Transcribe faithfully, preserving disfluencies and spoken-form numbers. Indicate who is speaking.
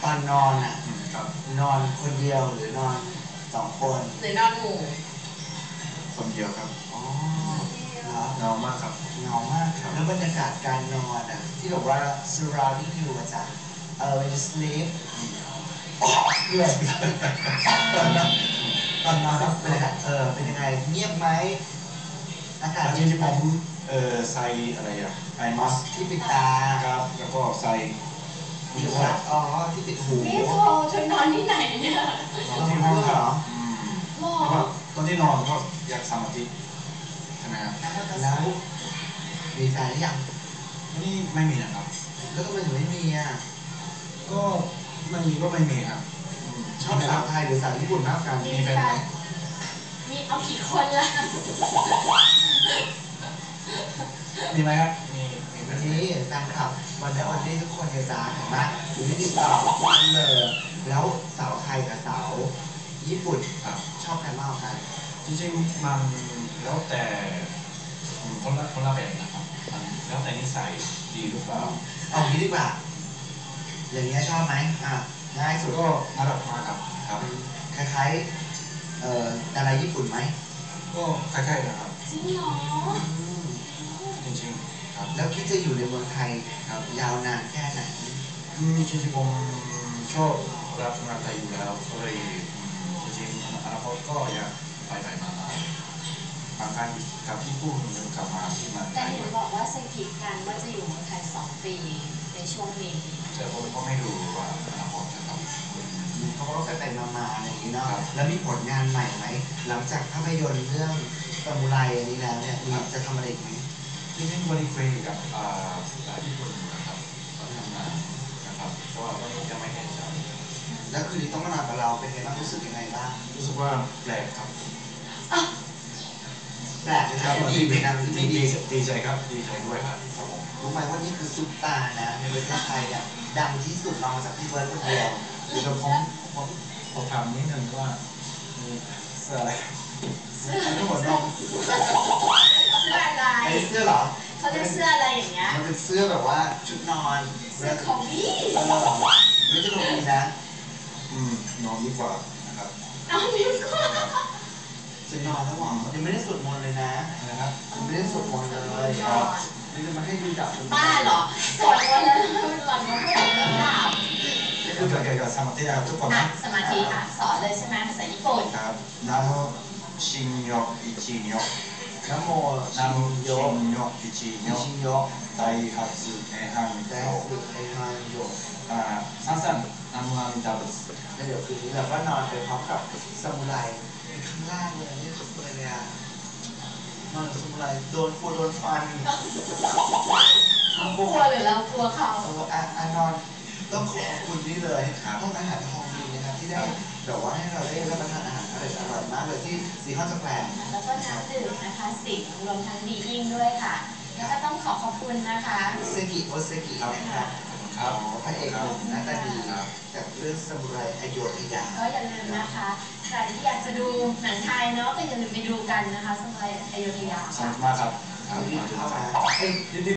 Speaker 1: ตอนนอนอ่ะ
Speaker 2: ครับ
Speaker 1: นอนคนเดียวหรือนอนสองคน
Speaker 3: หรือนอนหมู่
Speaker 2: คนเดียวครับ
Speaker 1: อ๋อเหรอ
Speaker 2: เงามากครับ
Speaker 1: เงามากแล้วบรรยากาศการนอนอ่ะที่บอกว่า surrounding you อาจารย์เออ when you sleep เพื่อนตอนนอนตอนนอนเป็นยังไงเออเป็นยังไงเงียบไหมอากาศ
Speaker 2: จ
Speaker 1: เย็น
Speaker 2: ริงๆ
Speaker 1: ไห
Speaker 2: ผม มเอ่อใส่อะไรอะไอมัส
Speaker 1: ที่ปิดตา
Speaker 2: ครับแล้วก็ใส่
Speaker 1: หรือว่าอ๋อที่ปิดหู
Speaker 3: นี่โทรเธอนอนที่ไหนเนี่ย
Speaker 2: นอนที่ห้องครับอืม
Speaker 3: หรอ
Speaker 2: เพราะว่าตอนที่นอนก็อยากสมาธิใช่ไหมครับ
Speaker 1: แล้วมีแฟนหรือยัง
Speaker 2: นี่ไม่มีนะครับ
Speaker 1: แล้วทำไมถึงไม่มีอ่ะ
Speaker 2: ก็ไม่มีก็ไม่มีครับอืม
Speaker 1: ชอบสาวไทยหรือสาวญี่ปุ่นมากกัน
Speaker 3: มีแฟนมีเอากี่คนละ
Speaker 2: มีไหมครับมีมีไหม
Speaker 1: วันนี้แฟนคลับวันนี้วันนี้ทุกคนจะจ้าเห็นไหมอยู่ที่ติดต่อทุกคนเลยแล้วสาวไทยกับสาวญี่ปุ่น
Speaker 2: ครับ
Speaker 1: ชอบใครมากกว่ากัน
Speaker 2: จริงๆมันแล้วแต่คนละคนละแบบนะครับมันแล้วแต่นิสัยดีหรือเปล่า
Speaker 1: เอางี้ดีกว่าอย่างเงี้ยชอบไหมอ่ะง่ายสุด
Speaker 2: ก็น่ารักมากครับครับ
Speaker 1: คล้ายๆเอ่อดาราญี่ปุ่นไหม
Speaker 2: ก็คล้ายๆนะครับ
Speaker 3: จริงเหรอ
Speaker 1: อืม
Speaker 2: จริงๆครับ
Speaker 1: แล้วคิดจะอยู่ในเมืองไทยครับยาวนานแค่ไหน
Speaker 2: อืมจริงๆผมชอบรับงานไทยอยู่แล้วก็เลยอืมจริงๆอนาคตก็อยากไปไปมามาบางครั้งกับญี่ปุ่นหรือกลับมาที่เมืองไท
Speaker 3: แต่
Speaker 2: ย
Speaker 3: เห็นบอกว่าสกิปกันว่าจะอยู่เมืองไทยสองปีในช่วงนี้
Speaker 2: แต่ผมก็ไม่รู้ว่าอนาคตจะทำ
Speaker 1: เขาก็ไปไปๆมาๆอะไรอย่างนี้เนาะ
Speaker 2: ครับ
Speaker 1: แล้วมีผลงานใหม่ไหมหลังจากภาพยนตร์เรื่องซามูไรอันนี้แล้วเนี่ยมีจะทำอะไรอีกไหม
Speaker 2: จริงๆวันนี้คุยกับอ่าอ่าญี่ปุ่นนะครับก็ทำงานนะครับก็วันนี้จะไม่แน่ใจ
Speaker 1: แล้วคืนนี้ต้องมานอนกับเราเป็นไงบ้างรู้สึกยังไงบ้าง
Speaker 2: รู้สึกว่าแปลกครับ
Speaker 1: แปลกนะครับดีเป็นนาง
Speaker 2: ดี
Speaker 1: ดี
Speaker 2: ดี
Speaker 1: ดี
Speaker 2: ดีใจครับดีใจด้วยครับครับผม
Speaker 1: รู้ไหมว่านี่คือซุปตาร์นะในประเทศไทยเนี่ยดังที่สุดรองจากพี่เบิร์ดคนเดียว
Speaker 2: เดี๋ยวผมผมผมถามนิดนึงว่ามีเสื้ออะไร
Speaker 1: ทั้งหมดนม
Speaker 3: เสื้ออะไร
Speaker 1: ไอ้เสื้อเหรอ
Speaker 3: เขาจะเสื้ออะไรอย่างเงี้ย
Speaker 1: มันเป็นเสื้อแบบว่าชุดนอน
Speaker 3: เสื้อของพี่
Speaker 1: เออไม่ใช่ลงดีนะ
Speaker 2: อืมนอนดีกว่านะครับ
Speaker 3: น้องนิ้วก็
Speaker 1: จะนอนแล้วหวังยังไม่ได้สวดมนต์เลยนะ
Speaker 2: นะครับ
Speaker 1: ยังไม่ได้สวดมนต์เลยนี่จะมาให้ดูดับ
Speaker 3: บ้าเหรอสวดมนต์แล้วหล่อนมาพูดถึงดาบ
Speaker 2: คือเกี่ยวกับสมาธินะครับทุกคน
Speaker 3: อ่ะ
Speaker 2: นะ
Speaker 3: สมาธิอ่ะสอนเลยใช่ไหมภาษาญี่ปุ่น
Speaker 2: ครับนาโมชินโยอิจิโย
Speaker 1: นะโม
Speaker 2: นา
Speaker 1: ชิ
Speaker 2: โม
Speaker 1: นโย
Speaker 2: ชินโยอิจิโย
Speaker 1: ชินโย
Speaker 2: ไดฮัตสึเอฮัน
Speaker 1: แด
Speaker 2: โย
Speaker 1: สุไอฮันโย
Speaker 2: อ่าสั้นๆนาโมอามิดาบุส
Speaker 1: แล้วเดี๋ยวคืนนี้เราก็นอนไปพร้อมกับซามูไรข้างล่างเลยนี่สุดเลยเลยอ่ะนอนกับซามูไรโดนกลัวโดนฟัน
Speaker 3: เขากลัวหรือเรากลัวเขา
Speaker 1: เอออ่ะอ่ะนอนต้องขอบคุณนี่เลยห้องอาหารทองดีนะครับที่ได้แบบว่าให้เราได้รับประทานอาหารอร่อยอร่อยมากเลยที่ซีคอนสแควร์
Speaker 3: แล้วก็น้ำดื่มนะคะสิงรวมทั้งดียิ่งด้วยค่ะ แล้วก็ต้องขอขอบคุณนะคะ
Speaker 1: เซกิโอเซกินะครับ
Speaker 2: ครับ
Speaker 1: พระเอกหนุ่มหน้าตาดีจากเรื่องซามูไรอโยธยา
Speaker 3: ก็อย่าลืมนะคะ ใครที่อยากจะดูหนังไทยเนาะก็อย่าลืมไปดูกันนะคะสมัยอยุธยา
Speaker 2: สนุกมากครับ
Speaker 1: รีบเข้ามา
Speaker 2: เอ้ย